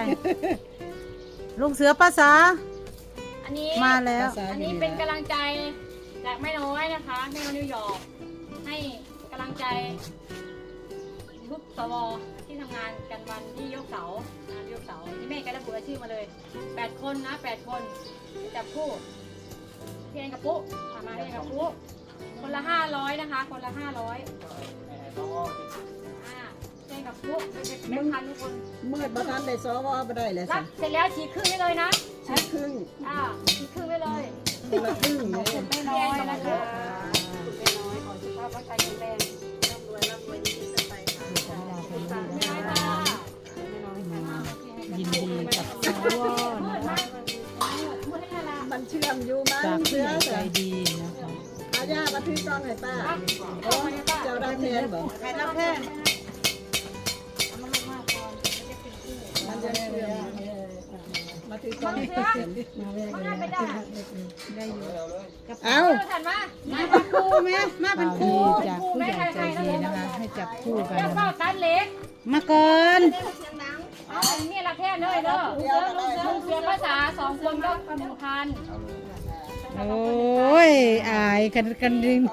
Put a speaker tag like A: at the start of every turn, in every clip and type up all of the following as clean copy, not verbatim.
A: ลุงเสือภาษา
B: อันนี้
A: มาแล้ว
B: อันนี้เป็นกำลังใจจากแม่น้อยนะคะแม่น้อยนิวยอร์กให้กำลังใจทุกสวที่ทำงานกันวันที่ยกเสาที่แม่ก็ระบุรายชื่อมาเลย8 คนนะ8 คนจับคู่พี่แอนกับปุ๊มาพี่แอนกับปุ๊คนละ500นะคะคนละ500พี่แอนกับปุ๊เป็นพันทุกคน
C: เมื่อประธานได้สวบ่ได้เลย
B: รับเสร็จแล้วฉีกครึ่งได้เลยนะ
C: ใช้ครึ่ง
B: ฉีกครึ่งได้เลย
C: คนละครึ่งเลย
B: ไม่น้อยนะคะไม่น้อยขอสุขภาพร่างกายแข็งแรงร่ำรวยดีๆไปค่ะไม่น้อยค่ะ
A: ยินดีกับสวนะคะ
C: มันเชื่อมอยู่มั้
A: จาก
C: ง
A: ผู้
C: เชื่
A: ให
C: อ
A: ญ่ใจ
C: แต่
A: ดีนะคะ
C: อาญาบันทึกกล้องให้ป้าเจ้าได้แทนบ่
A: ใครรับแทน
C: มันจะเชื่อมมาถือกล้องให้เห็น
B: มันน่าไปได้
C: เอา
B: ถัดมา
A: มาเป็นครูไหมมาเป็นครูจากผู้ใหญ่ใจดีนะคะให้จับคู่กัน
B: แล้วก็ตัดเล็ก
A: มาก่อน
B: เอานี่ละแค่เลยเด้อลุงเสือภาษา2 คนก็1,000
A: โอ้ยอายกันดิง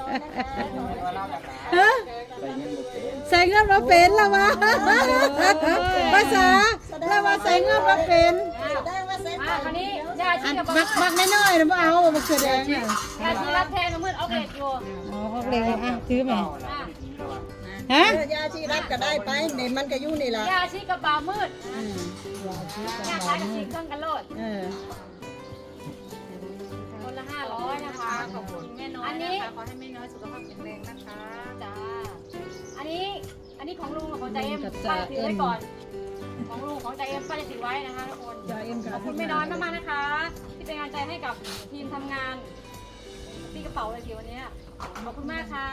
A: ฮะใส่เงินมาเป็นแล้ววะภาษาแล้วว่าใส่เงินมาเป็น
B: มาคราวนี้ยาชีกับ
A: บักน้อยๆนะบ่เอาบักเสือแดงน่ะ
B: ยาชีรับแทนกับมืดเอาเกล็ดอยู่
A: อ๋อเขาเรียกอ่ะถือไหมฮะ
C: ยาชีรับก็ได้ไปนี่มันก็อยู่นี่ล่ะ
B: ยาชีกับบ่าวมืดยาขายกับชีเครื่องกันโลดคนละ500นะคะขอบคุณแม่น้อยนะคะขอให้แม่น้อยสุขภาพแข็งแรงนะคะจ้าอันนี้ของลุงกับของใจเอ็มป้าถือไว้ก่อนของลุงของใจเอ็มป้าจะถือไว้นะคะทุกคนขอบคุณแม่น้อยมากๆนะคะ ที่เป็นกำลังใจให้กับทีมทำงานตีกระเป๋าเลยทีวันนี้ขอบคุณมากค่ะ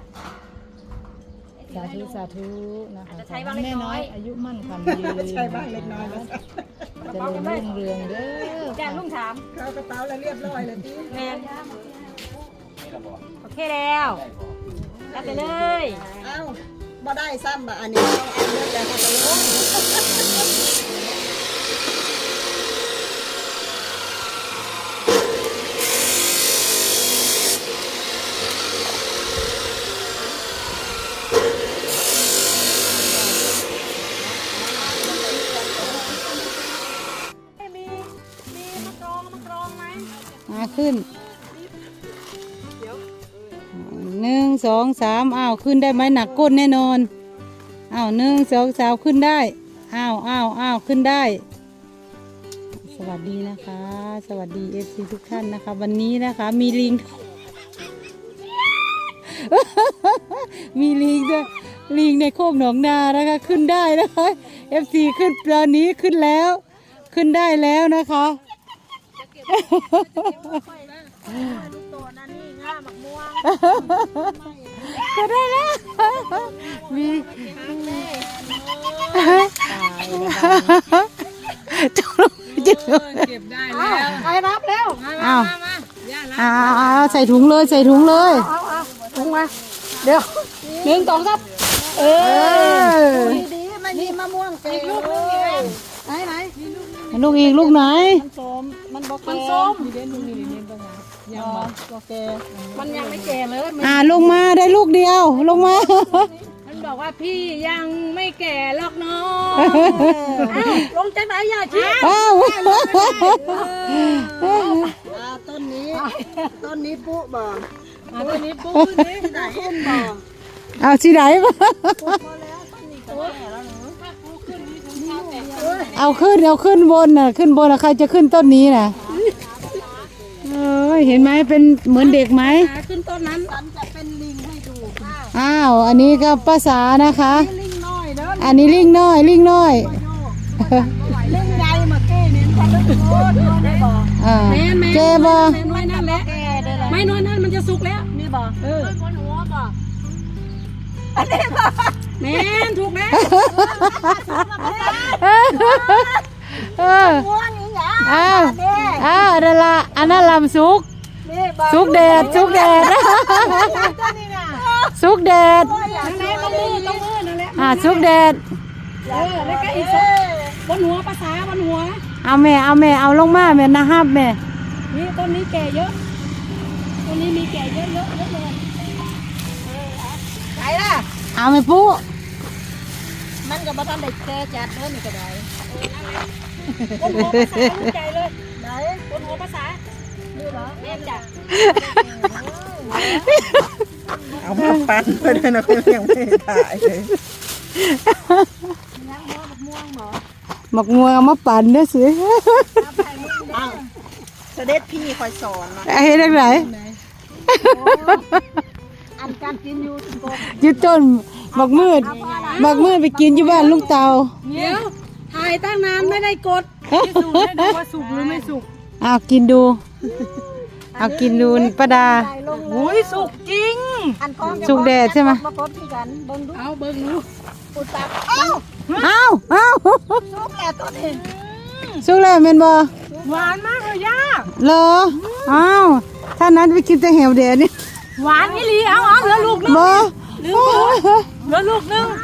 A: สาธุนะคะ
B: จะใช้บ้างเล็กน้อย
A: อายุมั่นขวัญยืน
C: ใช่บ้างเล็กน้อยแล้ว
A: จะรุ่งเรืองเด้อ
B: แกลุงถาม
C: เข้ากระเป๋าแล้วเรียบร้อยเลยพี่
B: แมนโอเคแล้วรับไปเลย
C: เอ้าบ่ได้ซ้ำบ่อันนี้ต้องเอาเลือดแล้วเขาจะลง
A: มาขึ้น1 2 3อ้าวขึ้นได้ไหมหนักก้นแน่นอนอ้าว1 2 3ขึ้นได้อ้าวขึ้นได้ สวัสดีนะคะ สวัสดีFCทุกท่านนะคะ วันนี้นะคะมีลิง มีลิงด้วยลิงในโคกหนองนานะคะขึ้นได้นะคะ FC ขึ้นตอนนี้ขึ้นแล้วขึ้นได้แล้วนะคะก็ได้แล้วมีจุ๊เก็บได้แล้วใครรับแล้วอ้าวใส่ถุงเลยใส่ถุงเลยถุงมาเดี๋ยว1 2 3
C: ดีๆมันมีมะม่วงเต็มเลย
A: ไหนลูกอีกลูกไหน
C: มันส้มมันบ่แก่
B: ส้ม
C: ยังบ่แก่
B: มันยังไม่แก่เลย
A: ลงมาได้ลูกเดียวลงมา
B: มันบอกว่าพี่ยังไม่แก่หรอกน้องลงจากไหนยาชี
A: อ้าว
C: ต้นนี้ปุ๊บ่
B: ตัวนี้ปุ๊บนี่ไหน
C: ขึ้นบ่
A: เอาสิไหนมาเอาขึ้นบนน่ะขึ้นบนน่ะใครจะขึ้นต้นนี้น่ะเห็นไหมเป็นเหมือนเด็กไหม
B: ขึ้นต้นนั้น
C: ฉันจะเป็นลิงให้ดู
A: อ้าวอันนี้ก็ภาษานะคะ
C: ลิงน้อยเด้อ
A: อันนี้ลิงน้อย
C: ลิงใหญ่เมื่อกี้นี่ฉันลึกโคตรได้บ่
A: เจ็บบ่
B: น้อยนั่นแหละ
C: แก่เด้อ
B: ไม่น้อยนั่นมันจะสุกแล้ว
C: นี่บ่
B: บนหัวก่อนแม่นถูกแล้ว
C: ม่วงอีหยัง
A: อ้าวนั่นละอันนั้นลำสุก
C: นี่บ่
A: สุกแดดสุกแดด
C: ตัวนี้น่ะ
A: สุกแดด
B: นั่นแหละต้องมือนั่นแหละ
A: สุกแดด
B: แล้วก็อีกบนหัวภาษาบนหัว
A: เอาแม่เอาลงมาแม่นะฮับแม่
B: นี่ต้นนี้แก่เยอะต้นนี้มีแก่เยอะเลยไหนล่ะ
A: เอาแม่ปุ๊
C: มันก็บ่ทันได้แก่จัดเด้อนี่ก็ได้
B: บนหัวภาษาลูกใจเลย
C: ไหน
B: บนหัวภาษาดูเหรอแม่จ้ะ
C: เอามาปั่นไปด้วยนะเพิ่นยังไม่ได้ถ่ายเลย
A: หมกงัวเอามาปั่นเด้อสิ
C: อ้าวเสด็จพี่คอยสอนนะ
A: เฮ็ดจังได๋
C: อันการกินอยู่ทุกคน
A: อยู่ต้นหมกมืดไปกินอยู่บ้านลุงเตา
B: เดี๋ยวถ่ายตั้งนานไม่ได้กดพิสูจน์ให้ดูว่าสุกหรือไม่สุก
A: เอากินดูเอากินดูป้าดา
B: โอ้ยสุกจริง
C: อันของ
A: สุกแดดใช่ไหม
C: มากดที่กันเบิ่งดู
B: เอาเบิ่งดู
C: อุตส่าห์เอ้า
A: เอา
C: สุกแล้วตัวนี้
A: สุกแล้วแม่นบ่
B: หวานมากเลยย่า
A: เหรออ้าวถ้านั้นไปกินแต่แหวแดดนี่
B: หวานนี่ลีเอาเหลือลูกนึง
A: บ่
B: เหลือลูกนึง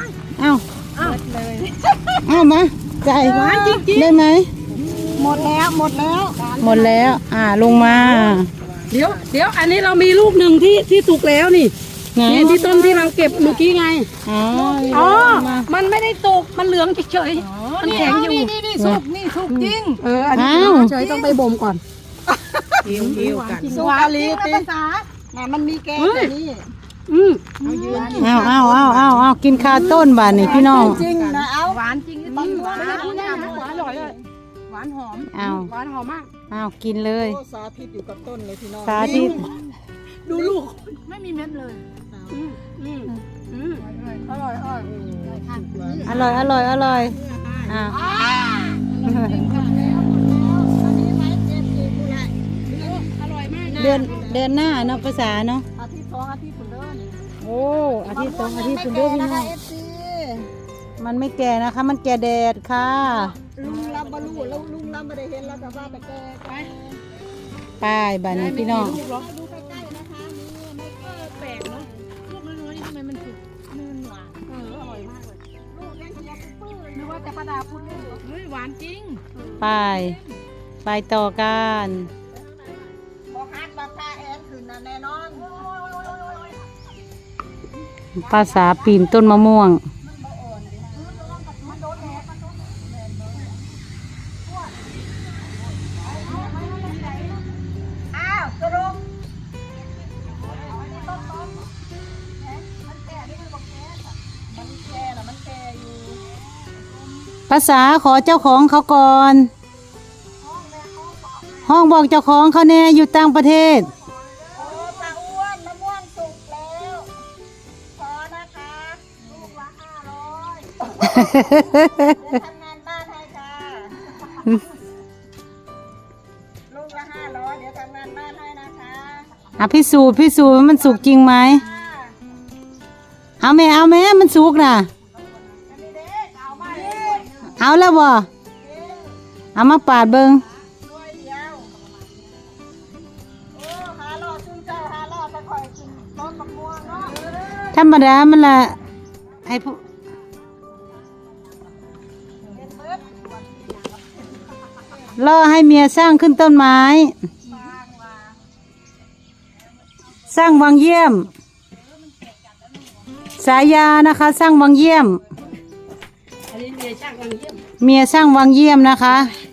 A: เอามาใจ
B: หวานจริงๆ
A: ได้ไหม
C: หมดแล้ว
A: หมดแล้วลงมา
B: เดี๋ยวอันนี้เรามีลูกหนึ่งที่สุกแล้วนี่
A: ไหน
B: นี่ที่ต้นที่เราเก็บเมื่อกี้ไง
A: อ๋อ
B: อ๋อ มันไม่ได้สุกมันเหลืองเฉยๆมันแข็งอยู่นี่สุกจริงอันนี้
A: อ้าว
B: เฉยต้องไปบ่มก่อน
C: หิวกัน
B: หวานจริงภาษา
C: น่ะมันมีแกงตัวนี้
B: อืม
A: เอากินคาต้นบานนี่พี่น้อง
C: จริงนะเอา
B: หวานจริงไม่ได้พูดได้นะหวานอร่อยเลยหวานหอม
A: เอา
B: หวานหอมมาก
A: เอากินเลย
C: โอ้สาธิตอยู่กับต้นเลยพี่น้อง
A: สาธิต
B: ดูลูกไม่มีเม็ดเลยอร่อย
A: อร่อยอ้าวเดือนหน้าเนาะภาษาเนาะ
C: อาทิตย์สองอาทิตย์คุณเด้อนี่
A: โอ้อาทิตย์สองอาทิตย์คุณเด้อพี่น้อง
C: นะคะ FC
A: มันไม่แก่นะคะ มันแก่แดดค่ะ
C: ลุงรับบรู้แล้วลุงรับไม่ได้เห็นแล้วแต่ว่าแต่แกไป
A: ป้ายบานนี้พี่น้อง
C: ดูใกล้ๆนะคะนี่ไม่ก็
B: แปลกเนาะลูกน้อยๆนี่ทำไมมันสุกมันหวานอร่อยมากเลย
C: ลูกยังขยับปื้อ
B: นึกว่าแต่ป้าดาพูดเล่นเฮ้ยหวานจริง
A: ไปต่อกัน
C: บอกฮักบอกพาแอนขึ้นนะแน่นอน
A: ภาษาปีนต้นมะม่วง
C: อ้าวสรุป
A: ภาษาขอเจ้าของเขาก่อน ห้องบอกเจ้าของเขาแน่อยู่ต่างประเทศ
C: โอ้ตาอ้วนมะม่วงสุกแล้วขอนะคะลูกละ500เดี๋ยวทำงานบ้านให้ค่ะลูกละ500เดี๋ยวทำงานบ้านให้นะคะ
A: พิสูจน์ว่ามันสุกจริงไหม เอาแม่มันสุกน่ะ เอาแล้วบ่เอามาปาดเบิง
C: ด้วยเดียวโอ้หาล่อซึ่งเจ้าหาล่อไปคอยกินต้นมะม่วงเนาะ
A: ธรรมดามันละให้ผู้
C: เป็นเบิด
A: ล่อให้เมียสร้างขึ้นต้นไม้ สร้างวังเยี่ยม สายานะคะ สร้างวังเยี่ยม
B: อันนี้เมียช่างกำลังเยี่ยม
A: เมียสร้างวังเยี่ยมนะคะ
B: เ